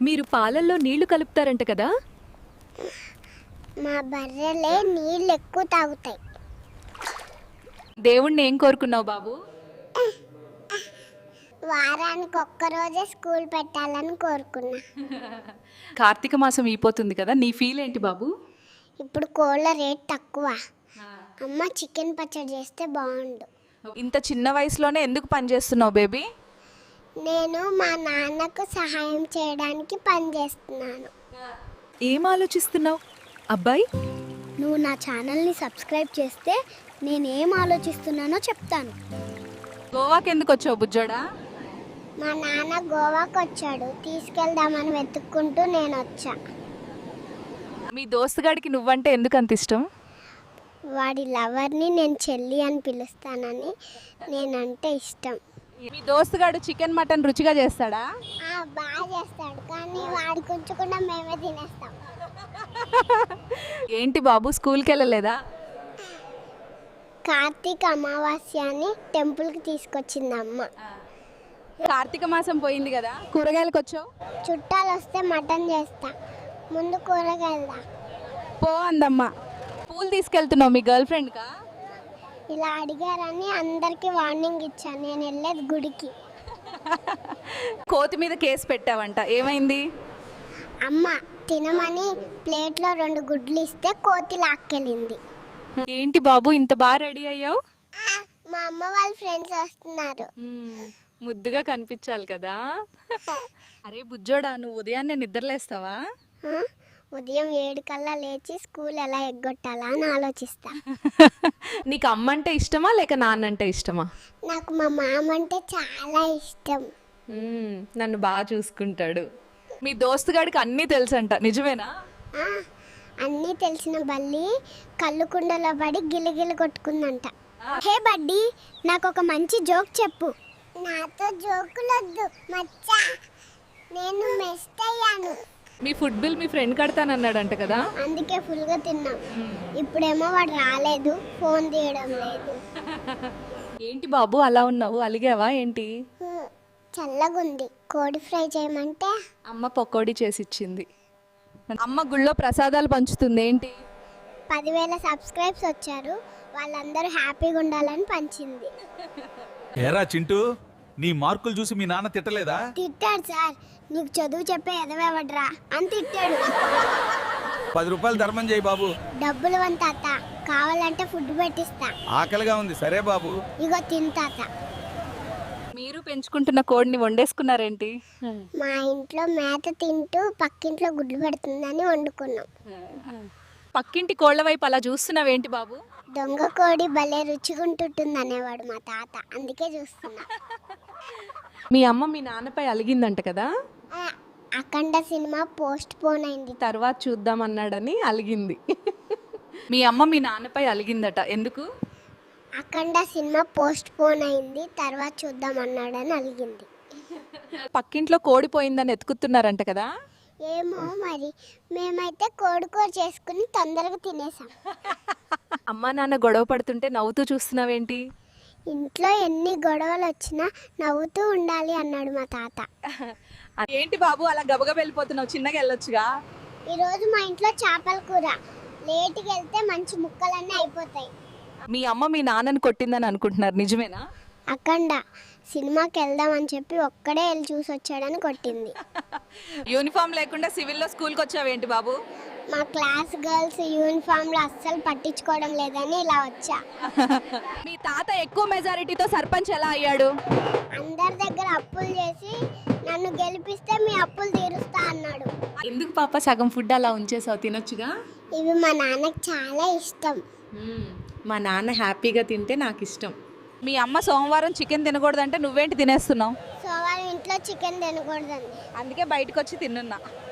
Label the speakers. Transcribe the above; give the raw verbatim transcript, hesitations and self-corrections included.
Speaker 1: మీరు పాలల్లో నీళ్లు కలుపుతారంట కదా?
Speaker 2: మా బర్రెలే నీళ్ళు ఎక్కువ తాగుతాయి.
Speaker 1: దేవుణ్ణి ఏం కోరుకున్నావు బాబు?
Speaker 2: వారానికి ఒక్కరోజే స్కూల్ పెట్టాలని కోరుకున్నా.
Speaker 1: కార్తీక మాసం అయిపోతుంది కదా, నీ ఫీల్ ఏంటి బాబు?
Speaker 2: ఇప్పుడు కోళ్ళ రేట్ తక్కువ. అమ్మ చికెన్ పచ్చడి చేస్తే బాగుండు.
Speaker 1: ఇంత చిన్న వయసులోనే ఎందుకు పని చేస్తున్నావు బేబీ?
Speaker 2: నేను మా నాన్నకు సహాయం చేయడానికి పని చేస్తున్నాను.
Speaker 1: ఏం ఆలోచిస్తున్నావు అబ్బాయి?
Speaker 2: నువ్వు నా ఛానల్ని సబ్స్క్రైబ్ చేస్తే నేను ఏం ఆలోచిస్తున్నానో చెప్తాను.
Speaker 1: గోవాకి ఎందుకు వచ్చావు బుజ్జోడా?
Speaker 2: మా నాన్న గోవాకు వచ్చాడు, తీసుకెళ్దామని వెతుక్కుంటూ నేను వచ్చా.
Speaker 1: మీ దోస్తుగాడికి నువ్వంటే ఎందుకు అంత ఇష్టం?
Speaker 2: వాడి లవర్ని నేను చెల్లి అని పిలుస్తానని నేనంటే ఇష్టం.
Speaker 1: మీ దోస్తుగాడు చికెన్ మటన్ రుచిగా చేస్తాడా?
Speaker 2: ఆ, బాగా చేస్తాడు, కానీ వాడికి ఉంచకుండా మేమే తినేస్తాం.
Speaker 1: ఏంటి బాబు స్కూల్కి వెళ్ళలేదా?
Speaker 2: కార్తీక అమావాస్య అని టెంపుల్కి తీసుకొచ్చింది అమ్మ.
Speaker 1: కార్తీక మాసం పోయింది కదా, కూరగాయలకు వచ్చావు?
Speaker 2: చుట్టాలు వస్తే మటన్ చేస్తా, ముందు కూరగాయలదా.
Speaker 1: పో అందమ్మా. పూలు తీసుకెళ్తున్నావు మీ గర్ల్ ఫ్రెండ్కా?
Speaker 2: ఇలా అడిగారని అందరికీ వార్నింగ్ ఇచ్చాను. నేను వెళ్ళేది గుడికి.
Speaker 1: కోతి మీద కేసు పెట్టావంట, ఏమైంది?
Speaker 2: అమ్మ తినమని ప్లేట్లో రెండు గుడ్లు ఇస్తే కోతి లాక్కెళ్ళింది.
Speaker 1: ఏంటి బాబు ఇంత బాగా రెడీ అయ్యావు?
Speaker 2: మా అమ్మ వాళ్ళ ఫ్రెండ్స్ వస్తున్నారు.
Speaker 1: ముద్దుగా కనిపించాలి కదా. అరే బుజ్జోడా, నువ్వు ఉదయాన్నే నిద్రలేస్తావా?
Speaker 2: ఆ, ఉదయం ఏడు కల్లా లేచి స్కూల్ ఎలా ఎగ్గొట్టాలా అని ఆలోచిస్తా.
Speaker 1: నీకు అమ్మ అంటే ఇష్టమా లేక నాన్న అంటే ఇష్టమా?
Speaker 2: నాకు మా మామ అంటే చాలా ఇష్టం.
Speaker 1: నన్ను బాగా చూసుకుంటాడు. మీ దోస్తుగాడికి అన్నీ తెలుసంట, నిజమేనా?
Speaker 2: ఆ, అన్నీ తెలిసిన బల్లి కళ్ళు కుండలో పడి గిలిగిలి కొట్టుకుందంట. హే బడ్డీ, నాకు ఒక మంచి జోక్ చెప్పు. నాతో జోకులొద్దు మచ్చా, నేను మెస్ట్ అయ్యాను.
Speaker 1: మీ ఫుడ్ బిల్ మీ ఫ్రెండ్ కడతానన్నాడంట కదా,
Speaker 2: అందుకే ఫుల్గా తిన్నాం. ఇప్పుడేమో వాడు రాలేదు, ఫోన్ తీయడం లేదు.
Speaker 1: ఏంటి బాబు అలా ఉన్నావు, అలిగావా ఏంటి?
Speaker 2: హ్మ్, చల్లగుంది. కోడి ఫ్రై చేయమంటే
Speaker 1: అమ్మ పకోడీ చేసి ఇచ్చింది. అమ్మ గుళ్ళో ప్రసాదాలు పంచుతుంది ఏంటి?
Speaker 2: పదివేల సబ్స్క్రైబ్స్ వచ్చారు, వాళ్ళందరూ హ్యాపీగా ఉండాలని పంచింది.
Speaker 3: ఏరా చింటూ, నీ మార్కులు చూసి మీ నాన్న తిట్టలేదా?
Speaker 2: తిట్టాడు సార్, నీకు చదువు చెప్పే ఎదవేవడ్రా అని తిట్టాడు.
Speaker 3: పది రూపాయలు ధర్మం చేయి బాబు.
Speaker 2: డబ్బులు వన్ తాత, కావాలంటే ఫుడ్ పెట్టిస్తా.
Speaker 3: ఆకలిగా ఉంది, సరే బాబు.
Speaker 2: ఇగో తిన్ తాత.
Speaker 1: మీరు పెంచుకుంటున్న కోడిని వండేసుకున్నారేంటి?
Speaker 2: మా ఇంట్లో మేత తింటూ పక్కింట్లో గుడ్లు పెడుతుందని వండుకున్నాం.
Speaker 1: పక్కింటి కోళ్ళ వైపు అలా చూస్తున్నావేంటి బాబు?
Speaker 2: దొంగ కోడి భలే రుచిగుంటుంటుంది అనేవాడు మా తాత, అందుకే చూస్తున్నా.
Speaker 1: మీ అమ్మ మీ నాన్నపై అలిగిందంట కదా,
Speaker 2: ఆ, అఖండ సినిమా పోస్ట్ పోన్ అయింది.
Speaker 1: తర్వాత చూద్దాం అన్నాడని అలిగింది. మీ అమ్మ మీ నాన్నపై అలిగిందట, ఎందుకు?
Speaker 2: అఖండ సినిమా పోస్ట్ పోన్ అయింది, తర్వాత చూద్దాం అన్నాడని అలిగింది.
Speaker 1: పక్కింట్లో కోడి పోయిందని ఎత్తుకుతున్నారంట కదా.
Speaker 2: ఏమో మరి, మేమైతే కోడికూర చేసుకుని తొందరగా తినేసాం.
Speaker 1: అమ్మా నాన్న గొడవ పడుతుంటే నవ్వుతూ చూస్తున్నావేంటి?
Speaker 2: ఇంట్లో ఎన్ని గొడవలు వచ్చినా నవ్వుతూ ఉండాలి అన్నాడు మా తాత.
Speaker 1: ఏంటి బాబు అలా గబగబ వెళ్ళిపోతున్నావు, చిన్నగా వెళ్ళొచ్చుగా.
Speaker 2: ఈరోజు మా ఇంట్లో చేపల కూర, లేటుకి వెళ్తే మంచి ముక్కలన్నీ అయిపోతాయి.
Speaker 1: మీ అమ్మ మీ నాన్నని కొట్టిందని అనుకుంటున్నారు, నిజమేనా?
Speaker 2: అఖండ సినిమాకి వెళ్దామని చెప్పి ఒక్కడే వెళ్ళి చూసి వచ్చాడని కొట్టింది.
Speaker 1: యూనిఫామ్ లేకుండా సివిల్లో స్కూల్కి వచ్చావేంటి బాబు?
Speaker 2: మా క్లాస్ గర్ల్స్ యూనిఫామ్లో అస్సలు పట్టించుకోవడం లేదని ఇలా వచ్చా.
Speaker 1: మీ తాత ఎక్కువ మెజారిటీతో సర్పంచ్ ఎలా అయ్యాడు?
Speaker 2: అందరి దగ్గర అప్పులు చేసి నన్ను గెలిపిస్తే మీ అప్పులు తీరుస్తా అన్నాడు.
Speaker 1: ఎందుకు పాప సగం ఫుడ్ అలా ఉంచేసావు, తినొచ్చుగా.
Speaker 2: ఇవి మా నాన్నకి చాలా ఇష్టం.
Speaker 1: మా నాన్న హ్యాపీగా తింటే నాకు ఇష్టం. మీ అమ్మ సోమవారం చికెన్ తినకూడదంటే నువ్వేంటి తినేస్తున్నావు?
Speaker 2: సో వాళ్ళ ఇంట్లో చికెన్ తినకూడదండి,
Speaker 1: అందుకే బయటకు వచ్చి తిన్నున్నా.